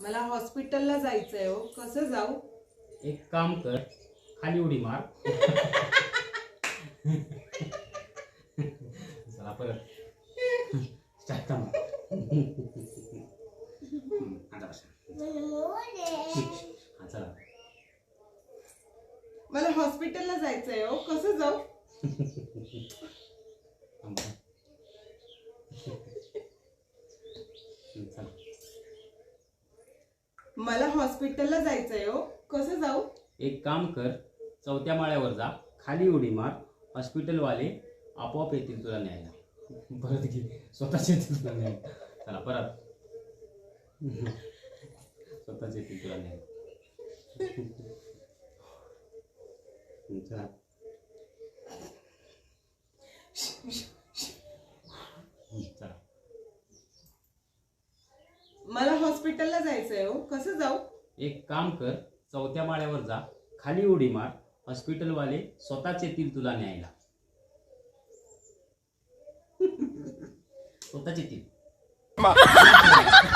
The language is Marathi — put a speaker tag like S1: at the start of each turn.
S1: मला हॉस्पिटलला जायचंय हो, कसं जाऊ?
S2: एक काम कर, खाली उडी मार. चला परत स्टार्ट कर. आता बसा. हा चला.
S1: मला हॉस्पिटलला जायचंय हो, कसं जाऊ?
S2: चला.
S1: मला हॉस्पिटलला जायचंय हो, कसं जाऊ?
S2: एक काम कर, 4थ्या माळ्यावर जा, खाली उडी मार, हॉस्पिटलवाले आपोआप येतील तुला न्यायला. परत घे, स्वतःच येतील तुला न्यायला. चला परत. स्वतःच येतील तुला न्यायला. चला. चला.
S1: मला हॉस्पिटलला जायचंय हो, कसं जाऊ?
S2: एक काम कर, 4थ्या माळ्यावर जा, खाली उडी मार, हॉस्पिटलवाले स्वतःच येतील तुला न्यायला. स्वतःच येतील.